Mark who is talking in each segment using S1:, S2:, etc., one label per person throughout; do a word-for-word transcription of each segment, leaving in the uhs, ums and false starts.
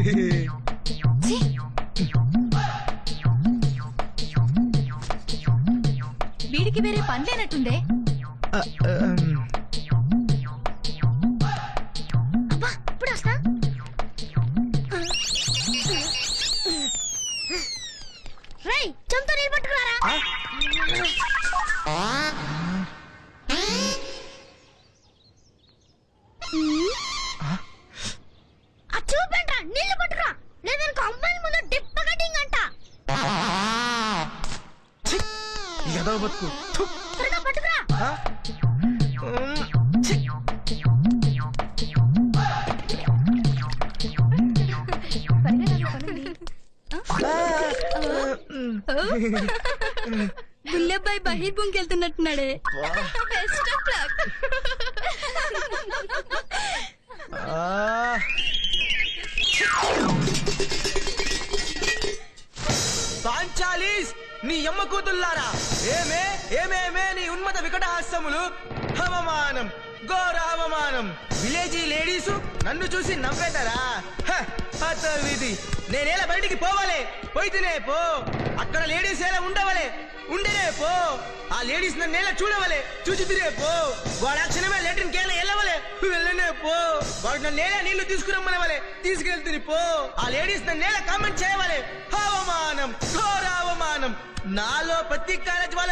S1: వీడికి వేరే పని లేనట్టుందే. అబ్బా ఇప్పుడు వస్తా. రేయ్ చెంతో నీళ్ళు పట్టుకురారా. చూపండ్రా నీళ్లు పట్టుకురా, లేదనుకో అమ్మాయిల ముందు డిప్ప కటింగ్ అంట.
S2: బతుకు
S1: త్వరగా పట్టుకురా. బుల్లబ్బాయి బహిర్భూమికి వెళ్తున్నట్టున్నాడే.
S2: పాంచాలీస్ నీ అమ్మ కూతుల్లారా, ఏమే ఏమేమే నీ ఉన్మత వికటహాస్యములు. అవమానం, ఘోర అవమానం. విలేజీ లేడీసు నన్ను చూసి నవ్వేతారా? విధి నేనేలా బయటికి పోవాలే, పోయితేనే పో. అక్కడ లేడీస్ ఎలా ఉండవలే, ఉండేనే పో. ఆ లేడీస్ నన్ను ఎలా చూడవలే, చూసి తిరే పో. వాడు ఆ క్షణమే లెటర్ని కేలా వెళ్ళవలే, వెళ్ళనే పో. వాడు నన్ను నేల నీళ్లు తీసుకురమ్మనవలే, తీసుకెళ్తుంది పో. ఆ లేడీస్ నన్ను నేల కామెంట్ చేయవలే. అవమానం, ఘోర అవమానం. నాలో ప్రతి కాలేజ్ వాళ్ళ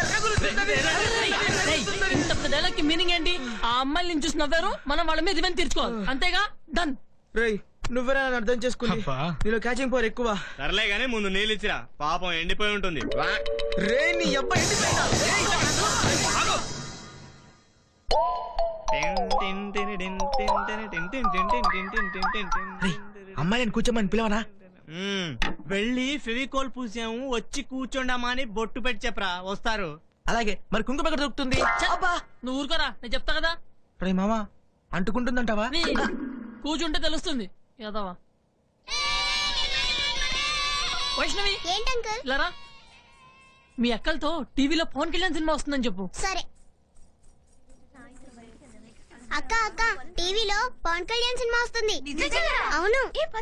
S3: మీనింగ్ ఏంటి? ఆ అమ్మాయిని చూసి నవ్వారు, మనం వాళ్ళ మీద ఇవన్నీ తీర్చుకోవాలి, అంతేగా? డన్.
S2: రేయ్ నువ్వెలా అర్థం చేసుకుని, నీలో క్యాచింగ్ పవర్ ఎక్కువ.
S4: సర్లే గానీ ముందు నీళ్ళు ఇచ్చిరా, పాపం ఎండిపోయి ఉంటుంది.
S2: రే నీ అబ్బాయి ఎండిపోయినా అమ్మాయిని కూర్చోమని పిలవనా?
S4: వెళ్ళి ఫెవికోల్ పూసాము, వచ్చి కూర్చోండమ్మా అని బొట్టు పెట్టి చెప్పరా, వస్తారు.
S2: అలాగే మరి కుంకుమ ఎక్కడ దొరుకుతుంది?
S3: నువ్వు ఊరుకోరా, నేను చెప్తా కదా.
S2: రే మామా అంటుకుంటుందంటావా?
S3: కూర్చుంటే తెలుస్తుంది. యాదవా వైష్ణవి లరా, మీ అక్కలతో టీవీలో పవన్ కళ్యాణ్ సినిమా వస్తుందని చెప్పు.
S1: సరే అక్క, అక్క టీవీలో పవన్ కళ్యాణ్ సినిమా వస్తుంది. అవును.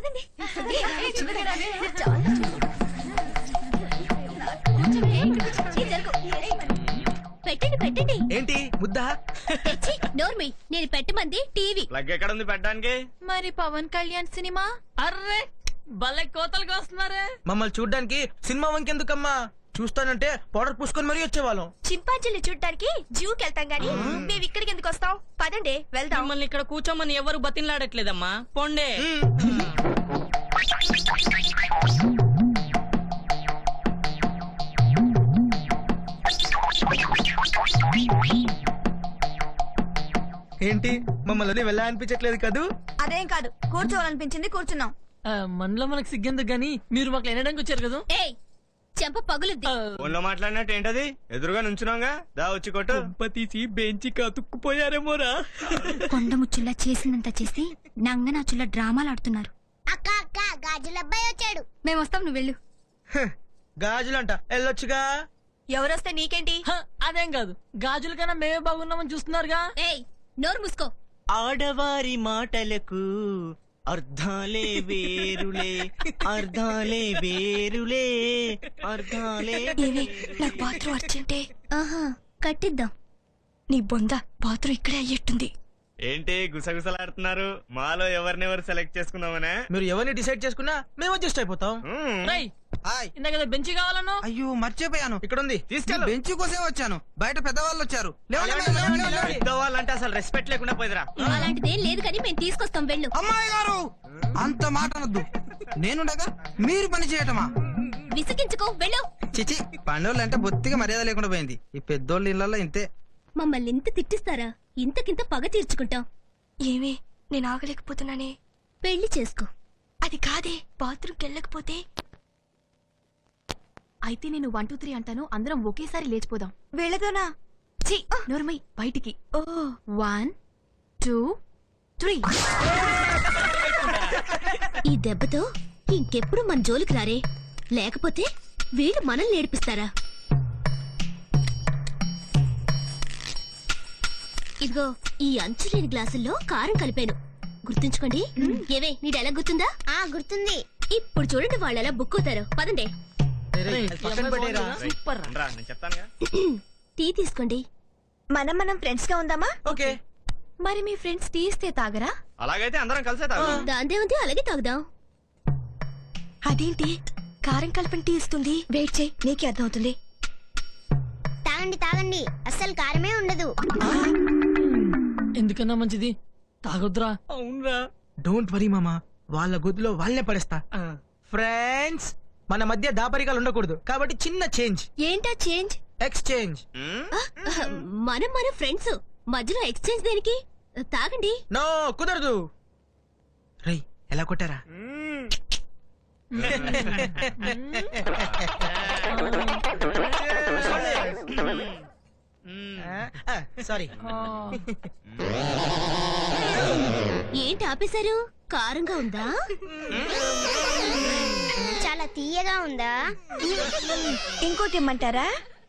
S1: పెట్టండి పెట్టండి.
S2: ఏంటి ముద్దా?
S1: నోర్మి, నేను పెట్టమంది టీవీ.
S4: లగ్ ఎక్కడ ఉంది పెట్టడానికి?
S1: మరి పవన్ కళ్యాణ్ సినిమా.
S3: అర్రే భలే కోతలుగా వస్తున్నారే.
S2: మమ్మల్ని చూడ్డానికి సినిమా వంకెందుకమ్మా, చూస్తానంటే పౌడర్ పూసుకొని మరీ వచ్చేవాళ్ళం.
S1: చింపాంజీని చూడ్డానికి జూకి వెళ్తాం గానీ మేము ఇక్కడికి ఎందుకు వస్తాం? పదండి వెళ్దాం.
S3: మిమ్మల్ని ఇక్కడ కూర్చోమని ఎవరు బతిన్లాడట్లేదమ్మా, పొండే.
S2: ఏంటి మమ్మల్ని వెళ్ళా అనిపించట్లేదు కదూ?
S1: అదేం కాదు, కూర్చోవాలనిపించింది కూర్చున్నాం.
S3: మనలో మనకు సిగ్గెందుకు గానీ మీరు మాకు వినడానికి వచ్చారు కదా.
S1: ఏయ్ చెంప పగులుద్ది.
S4: ఫోన్లో మాట్లాడినట్టు ఏంటది? ఎదురుగా నుంచున్నాగా, దా వచ్చి కొట్టు.
S3: తీసి బెంచి కతుక్కుపోయారేమోరా.
S1: కొండముచ్చుల్లా చేసినంత చేసి నంగనాచుల్లా డ్రామాలు ఆడుతున్నారు. అక్క అక్క గాజులబ్బాయి వచ్చాడు. మేము వస్తాం, నువ్వు వెళ్ళు.
S2: గాజులంట వెళ్ళొచ్చుగా.
S1: ఎవరొస్తే నీకేంటి?
S3: అదేం కాదు, గాజుల కన్నా మేమే బాగున్నామని చూస్తున్నారుగా.
S1: ఏయ్ నోరు మూసుకో.
S4: ఆడవారి మాటలకు అర్ధాలే వేరులే, అర్ధాలే వేరులే, అర్ధాలే.
S1: నాకు బాత్రూమ్ అర్జెంటే. ఆహా కట్టిద్దాం. నీ బొంద బాత్రూమ్ ఇక్కడే అయ్యేట్టుంది.
S4: ఏంటి గుసగుసలాడుతున్నారు? మాలో ఎవరినెవరు సెలెక్ట్ చేసుకుందామనే?
S2: మీరు ఎవరిని డిసైడ్ చేసుకున్నా మేము అడ్జస్ట్ అయిపోతాం.
S3: ఇందాక బెంచ్ కావాలన్నా?
S2: అయ్యో మర్చిపోయాను, ఇక్కడ ఉంది తీసుకెళ్ళి. బెంచ్ కోసే వచ్చాను, బయట పెద్దవాళ్ళు వచ్చారు.
S4: పెద్దవాళ్ళంటే అసలు రెస్పెక్ట్ లేకుండా పోయిదరా.
S1: అలాంటిదేం లేదు కానీ మేము తీసుకొస్తాం, వెళ్ళు.
S5: అమ్మాయి గారు అంత మాట అనొద్దు, నేనుండగా మీరు పని చేయటమా?
S1: విసిగించుకో, వెళ్ళు.
S5: చిచి పండోళ్ళు అంటే బొత్తిగా మర్యాద లేకుండా పోయింది. ఈ పెద్దోళ్ళ ఇళ్లలో ఇంతే.
S1: మమ్మల్ని ఇంత తిట్టిస్తారా? ఇంతకింత పగ తీర్చుకుంటాం.
S6: ఏమే నేను ఆగలేకపోతున్నానే.
S1: పెళ్లి చేసుకో.
S6: అది కాదే, బాత్రూమ్కి వెళ్ళకపోతే.
S1: అయితే నేను వన్ టూ త్రీ అంటాను, అందరం ఒకేసారి లేచిపోదాం.
S6: వెళ్ళదోనా?
S1: ఛీ నోర్మై, బయటికి. ఓ వన్ టూ త్రీ. ఈ దెబ్బతో ఇంకెప్పుడు మన జోలికి రారే, లేకపోతే వీళ్ళు మనల్ని ఏడిపిస్తారా? ఇదిగో ఈ అంచులేని గ్లాసుల్లో కారం కలిపాను,
S7: గుర్తుంచుకోండి ఏవే నీ డైలాగ్ గుర్తుందా ఆ గుర్తుంది ఇప్పుడు చూడండి వాళ్ళు ఎలా బుక్ అవుతారు పదండి
S3: రేయ్,
S2: పక్కన పెట్టేరా.
S3: సూపర్ రా.
S4: నేను చెప్తానుగా.
S7: టీ తీసుకోండి
S6: మనం మనం ఫ్రెండ్స్ గా ఉందామా?
S2: ఓకే
S6: మరి మీ ఫ్రెండ్స్ టీ ఇస్తే తాగరా?
S4: అలాగైతే అందరం కలిసే తాగు.
S7: దాందే ఉంది అలాగే తాగుదాం
S6: అదేంటి కారం కలిపిన టీ ఇస్తుంది? వెయిట్ చేయి, నీకే అర్థమవుతుంది.
S7: తాగండి తాగండి అస్సలు కారమే ఉండదు
S3: ఎందుకన్నా మంచిది తాగొద్దురా.
S4: అవునరా.
S2: డోంట్ వరీ మామా, వాళ్ళ గొద్దులో వాళ్ళనే పడేస్తా. ఫ్రెండ్స్, మన మధ్య దాపరికాలు ఉండకూడదు కాబట్టి చిన్న చేంజ్.
S7: ఏంటా చేంజ్
S2: ఎక్స్చేంజ్.
S7: మనం మన ఫ్రెండ్స్ మధ్యలో ఎక్స్చేంజ్ దేనికి తాగండి
S2: నో కుదరదు. రై ఎలా కొట్టారా? సారీ.
S7: ఏంటి ఆపేశారు కారంగా ఉందా చాలా తీయగా ఉందా
S6: ఇంకోటి ఇమ్మంటారా?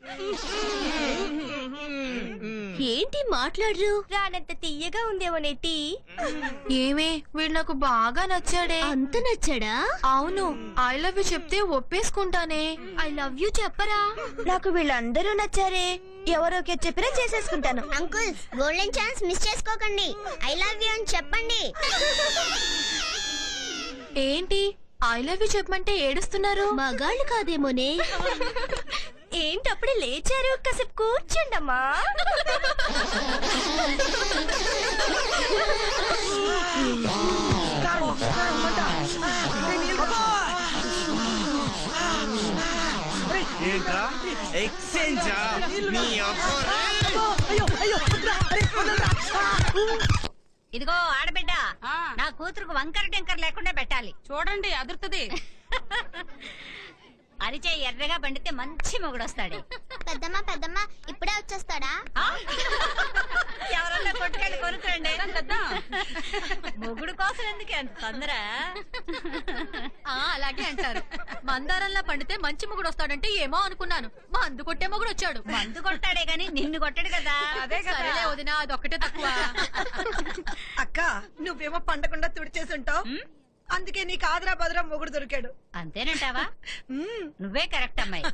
S7: ఏంటి మాట్లాడరు
S6: రానంత తీయగా ఉందేమో టీ. ఏమే వీడు నాకు బాగా నచ్చాడే.
S7: అంత నచ్చాడా
S6: అవును, ఐ లవ్ యూ చెప్తే ఒప్పేసుకుంటానే.
S7: ఐ లవ్ యూ చెప్పరా
S6: నాకు వీళ్ళందరూ నచ్చారే. ఎవరోకే చెప్పినా చేసేసుకుంటాను.
S7: అంకుల్స్ గోల్డెన్ ఛాన్స్ మిస్ చేసుకోకండి ఐ లవ్ యూ అని చెప్పండి
S6: ఏంటి ఐ లవ్ యూ చెప్పమంటే ఏడుస్తున్నారు?
S7: మగాళ్ళు కాదేమోనే
S6: ఏంటి అప్పుడే లేచారు? కాసేపు కూర్చోండమ్మా.
S4: ఏంట్రా ఎక్స్చేంజ్? నీ అబ్బా.
S8: ఇదిగో ఆడబిడ్డ నా కూతురుకు వంకర టింకర్ లేకుండా పెట్టాలి. చూడండి అదురుతుంది. అరిచే ఎర్రగా పండితే మంచి మొగుడొస్తాడు.
S7: పెద్దమ్మ పెద్దమ్మ ఇప్పుడే వచ్చేస్తాడా
S8: ఆ? ఎవరన్నా కొట్టుకెళ్ళి కొనుక్కురండి. మొగుడు కోసం ఎందుకు ఎంత తొందర?
S1: అలాగే అంటారు. మందారంలా పండితే మంచి మొగుడు వస్తాడంటే ఏమో అనుకున్నాను. మందు కొట్టే మొగుడు వచ్చాడు.
S8: మందు కొట్టాడే గాని నిన్ను కొట్టాడు కదా. అదే
S1: సరేలే వదినా, అదొక్కటే తక్కువ.
S9: అక్క నువ్వేమో పండకుండా తుడిచేసుంటావు, అందుకే నీకు ఆదరా బదరా మొగుడు దొరికాడు.
S8: అంతేనంటావా? నువ్వే కరెక్ట్ అమ్మాయి.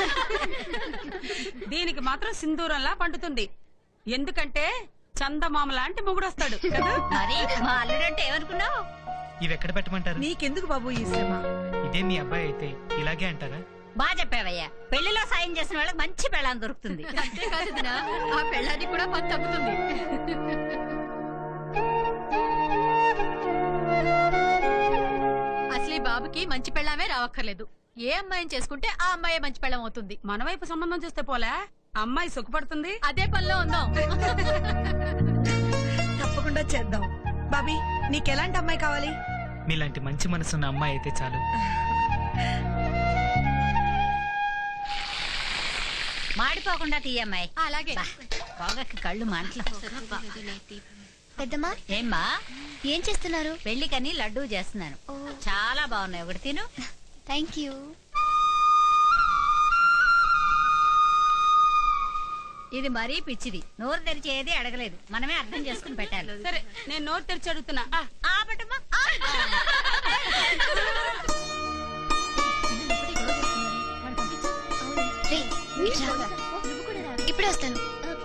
S10: దీనికి మాత్రం సింధూరంలా పండుతుంది. ఎందుకంటే చందమామ లాంటి మొగుడు వస్తాడు కదా.
S8: మరి మా అల్లుడంటే ఏమనుకున్నావు?
S2: ఇవి ఎక్కడ పెట్టమంటారు?
S9: నీకెందుకు బాబు ఈ శ్రమ?
S2: ఇదే మీ అబ్బాయి అయితే ఇలాగే అంటారా?
S8: బాగా చెప్పావయ్యా. పెళ్లిలో సాయం చేసిన వాళ్ళకి మంచి పెళ్ళాం దొరుకుతుంది.
S1: అంతేకాదు వదినా, ఆ పెళ్ళాన్ని కూడా పని తప్పుతుంది. అసలు ఈ బాబుకి మంచి పెళ్ళామే రావక్కర్లేదు. ఏ అమ్మాయిని చేసుకుంటే ఆ అమ్మాయి మంచి పెళ్ళం అవుతుంది.
S10: మన వైపు సంబంధం చూస్తే పోలే, అమ్మాయి సుఖపడుతుంది.
S1: అదే పనిలో ఉందాం.
S9: తప్పకుండా చేద్దాం. బాబీ నీకెలాంటి అమ్మాయి కావాలి?
S2: మీలాంటి మంచి మనసున్న అమ్మాయి అయితే చాలు.
S8: మాడిపోకుండా తీయమ్మాయి.
S1: అలాగే.
S8: పొగకి కళ్ళు మంటలు.
S7: పెద్దమ్మ
S8: ఏమ్మా
S7: ఏం చేస్తున్నారు?
S8: పెళ్లికని లడ్డూ చేస్తున్నాను. చాలా బాగున్నాయి, ఒకటి తిను.
S7: Thank you.
S8: ఇది మరీ పిచ్చిది, నోరు తెరిచి ఏది అడగలేదు. మనమే అర్థం చేసుకుని పెట్టాలి.
S10: సరే నేను నోరు తెరిచి అడుగుతున్నా.
S8: ఆ, ఆ పెట్టమ్మా. ఆ.
S7: రేయ్, ఇట్రా. ఇప్పుడే వస్తాను.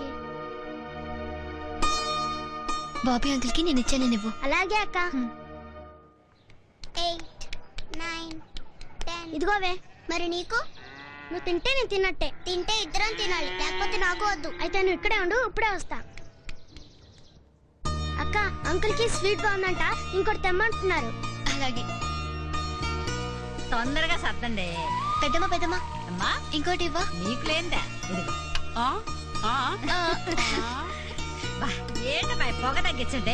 S7: బాబీ అంకుల్ కి నేను ఇచ్చాను నువ్వు. అలాగే అక్క. ఇదిగోవే మరి నీకు. నువ్వు తింటే నేను తిన్నట్టే. తింటే ఇద్దరం తినాలి, లేకపోతే నాకు వద్దు. అయితే నువ్వు ఇక్కడే ఉండు, ఇప్పుడే వస్తా. అక్క అంకుల్ కి స్వీట్ బాగుందంట, ఇంకోటి తెమ్మంటున్నారు. అలాగే.
S8: తొందరగా సర్దండి.
S7: పెద్దమ్మ పెద్దమ్మ
S8: అమ్మా
S7: ఇంకోటి ఇవ్వ.
S8: నీకు లేందా? ఇదిగో.
S10: ఆ? ఆ?
S8: బా, ఏంటమ్మా ఈ పొగ తగ్గించండి.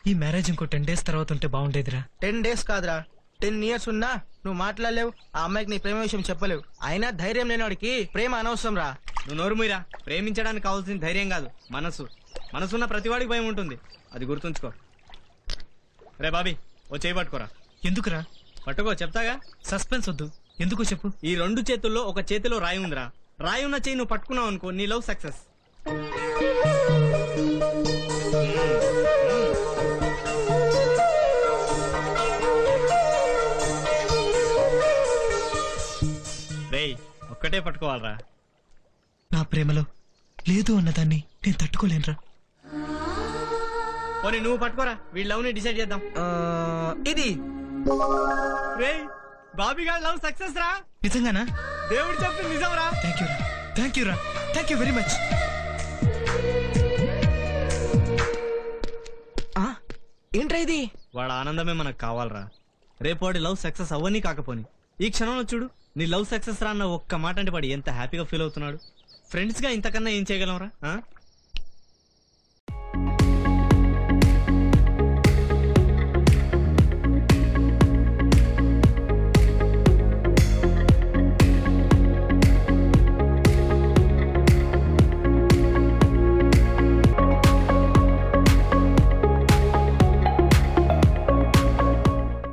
S11: ఈ మ్యారేజ్ ఇంకో టెన్ డేస్ తర్వాత ఉంటే బాగుండేదిరా.
S2: టెన్ డేస్ కాదురా, టెన్ ఇయర్స్ ఉన్నా నువ్వు మాట్లాడలేవు, ఆ అమ్మాయికి నీ ప్రేమ విషయం చెప్పలేవు. అయినా ధైర్యం లేనివాడికి ప్రేమ అనవసరం రా.
S4: నువ్వు నోరు మీరా. ప్రేమించడానికి కావాల్సిన ధైర్యం కాదు, మనసు. మనసున్న ప్రతివాడికి భయం ఉంటుంది, అది గుర్తుంచుకో. రే బాబీ, ఓ చేయి పట్టుకోరా.
S11: ఎందుకురా?
S4: పట్టుకో, చెప్తాగా.
S11: సస్పెన్స్ వద్దు, ఎందుకో చెప్పు.
S4: ఈ రెండు చేతుల్లో ఒక చేతిలో రాయి ఉందిరా. రాయి ఉన్న చేయి నువ్వు పట్టుకున్నావు అనుకో, నీ లవ్ సక్సెస్. రేయ్, ఒక్కటే పట్టుకోవాలరా.
S11: నా ప్రేమలో లేదు అన్నదాన్ని నేను తట్టుకోలేనురా.
S4: పోనీ నువ్వు పట్టుకోరా, వీళ్ళ లవ్ ని డిసైడ్ చేద్దాం.
S2: ఆ, ఇది
S4: రేయ్, బాబీ గారి లవ్ సక్సెస్ రా.
S11: నిజంగానా?
S4: దేవుడు చెప్పి నిజం రా.
S11: థ్యాంక్ యూ రా, థ్యాంక్ యూ రా, థ్యాంక్ యూ వెరీ మచ్.
S2: ఏంట్రా ఇది?
S4: వాడు ఆనందమే మనకు కావాలరా. రేపు వాడి లవ్ సక్సెస్ అవ్వని కాకపోని ఈ క్షణంలో చూడు, నీ లవ్ సక్సెస్ రా అన్న ఒక్క మాట అంటే వాడు ఎంత హ్యాపీగా ఫీల్ అవుతున్నాడు. ఫ్రెండ్స్ గా ఇంతకన్నా ఏం చేయగలం రా.